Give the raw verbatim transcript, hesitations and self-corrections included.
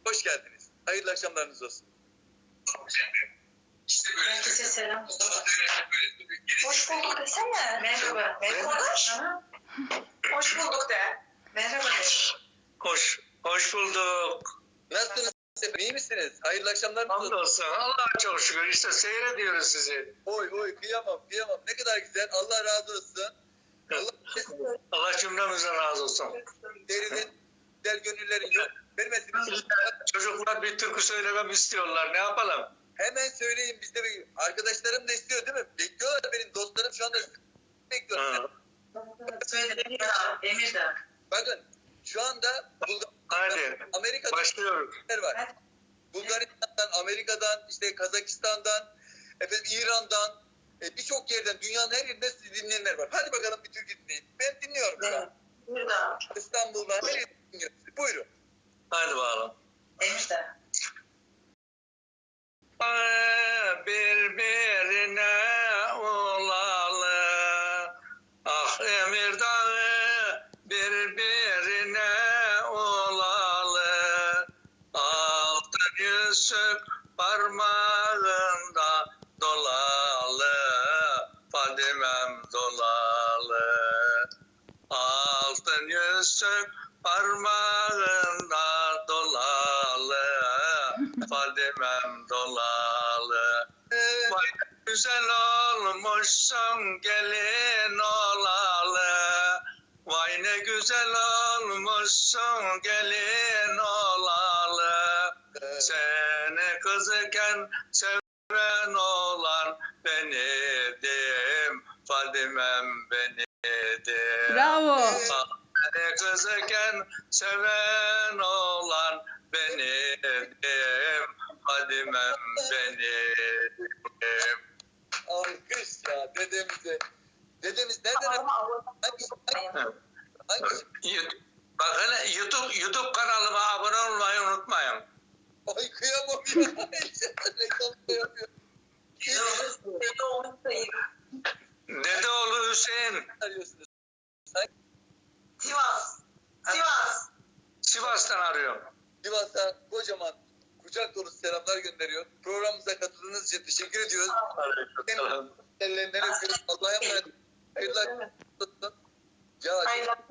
Hoş geldiniz. Hayırlı akşamlarınız olsun. İşte böyle. Herkese selam. Hoş bulduk desene. Merhaba. Merhaba. Hoş bulduk de. Merhaba de. Hoş, hoş bulduk. Nasılsınız? İyi misiniz? Hayırlı akşamlarınız olsun. Hamdolsun. Allah'a çok şükür. İşte seyrediyoruz sizi. Oy oy kıyamam kıyamam. Ne kadar güzel. Allah razı olsun. Allah Allah cümlemizden razı olsun. derinin güzel gönüllerin yok. Vermesiniz. Çocuklar bir türkü söylemem istiyorlar. Ne yapalım? Hemen söyleyin biz de bir- arkadaşlarım da istiyor değil mi? Bekliyorlar benim dostlarım şu anda bekliyorlar. Ha. Söyle Emir de. Emir de. Bakın şu anda Bulgaristan'dan, Hadi. Amerika'dan Başlıyoruz. var. Hadi. Bulgaristan'dan, Amerika'dan, işte Kazakistan'dan, efendim İran'dan, e, birçok yerden, dünyanın her yerinde sizi dinleyenler var. Hadi bakalım bir türkü dinleyin. Ben dinliyorum şu an. Emir de. İstanbul'dan her yerden dinliyorum sizi. Buyurun. Hadi bakalım. Emir de. Birbirine olalı, ah Emir Dağı birbirine olalı, altın yüzük parmağında dolalı, Fadimem dolalı, altın yüzük parmağında dolalı, Fadimem dolalı. Vay güzel olmuşsun gelin olalı. Vay ne güzel olmuşsun gelin olalı. Seni kızken seven olan benidim. Fadimem benidim. Bravo. Seni kızken seven olan benidim. Fadimem benim. Alkış ya dedemize. Dedemiz nereden? Hangisi? Hangisi? YouTube- Bak hele YouTube, YouTube kanalıma abone olmayı unutmayın. Ay kıyamam ya. Reklam da yapıyor. Dede olmuş sayı. Dedeoğlu Hüseyin Arıyorsunuz. Sivas. Sivas. Sivas'tan arıyorum. Sivas'a kocaman kucak dolusu selamlar gönderiyor. Programımıza katıldığınız için teşekkür ediyoruz. Ellerinden öpüyoruz. Allah'a emanet olun. Hayırlı akşamlar olsun. Ya Hayırlı